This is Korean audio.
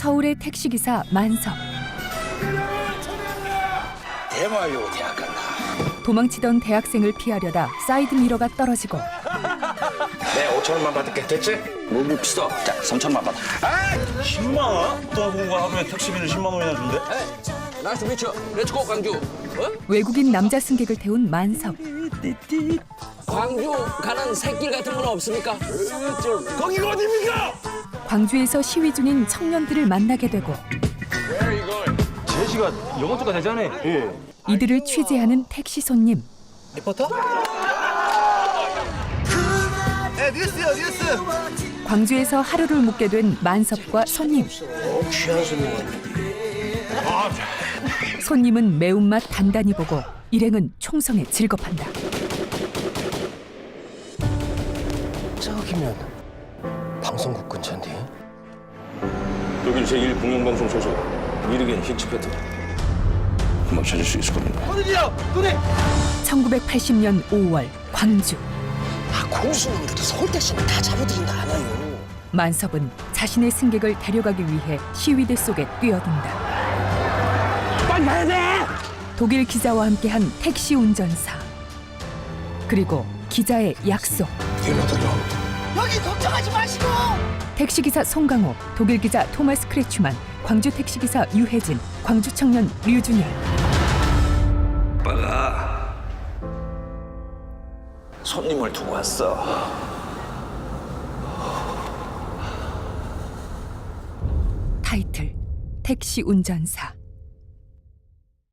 서울의 택시기사 만섭. 대마요 대학 간다. 도망치던 대학생을 피하려다 사이드 미러가 떨어지고 내 5천원만 받을게. 됐지? 너무 비싸. 자, 3천원만 받아. 10만 원? 떠보고 하루에 택시비를 10만 원이나 준대? 나이스 미쳐. 렛츠고 광주. 외국인 남자 승객을 태운 만섭. 광주 가는 새길 같은 건 없습니까? 거기가 어디입니까? 광주에서 시위 중인 청년들을 만나게 되고 제시가 영어조가 되잖아. 예. 이들을 취재하는 택시 손님. 리포터? 네, 뉴스요, 뉴스. 광주에서 하루를 묵게 된 만섭과 손님. 귀한 손님. 손님은 매운맛 단단히 보고 일행은 총성에 질겁한다. 저기면 방송국 근처인데. 여긴 제1 공영방송 소속 미르겐 힌치페트. 금방 찾을 수 있을 겁니다. 1980년 5월 광주. 공수놈들도 서울택시는 다 잡아들인다 않아요. 만섭은 자신의 승객을 데려가기 위해 시위대 속에 뛰어든다. 빨리 가야 돼! 독일 기자와 함께한 택시 운전사. 그리고 기자의 약속. 여기 걱정하지 마시고. 택시기사 송강호, 독일 기자 토마스 크레추만, 광주 택시기사 유혜진, 광주 청년 류준열. 빨아. 손님을 두고 왔어. 타이틀 택시 운전사.